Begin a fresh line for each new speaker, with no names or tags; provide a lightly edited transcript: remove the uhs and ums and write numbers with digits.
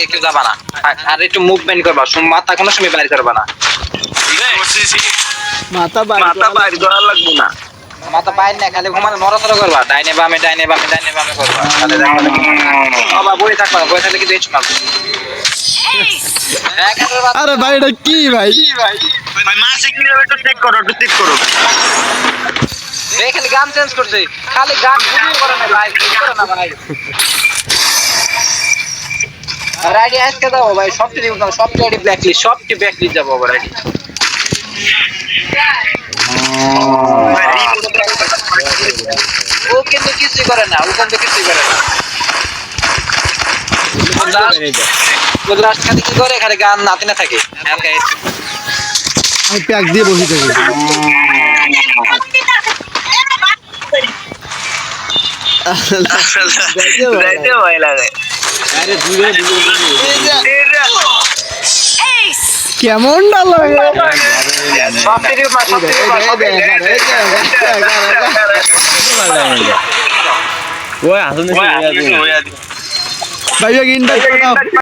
আগে কেউ যাবা না আর একটু মুভমেন্ট করবা মাথা কোনো সময় বাইর করবা না
মাথা বাইর করা লাগবে না
মাথা বাইর না খালি ঘুমানো নড়াচড়া করবা ডাইনে বামে করবা তাহলে বাবা বই থাকবা বই থাকলে কি দেখছ না
আরে ভাই এটা কি ভাই
ভাই মাসে কিভাবে একটু চেক করো
এই খালি গান চেঞ্জ করছে খালি গান ভিডিও করে না ভাই ভিডিও করে না ভাই রাইডি আজকে দাও ভাই সবটি দিব না সবটি আইডি ব্ল্যাকলিস্ট সবটি ব্ল্যাকলিস্ট যাব আবার আইডি ও কিন্তু কিছুই করে না লাস্ট খালি কি করে খালি গান নাতে না থাকে
আমি প্যাক দিয়ে বসে থাকি
যাইতে ভয় লাগে
আরে কেমন লাগে
সবটি দিব
ভাইয়া ইনভাইট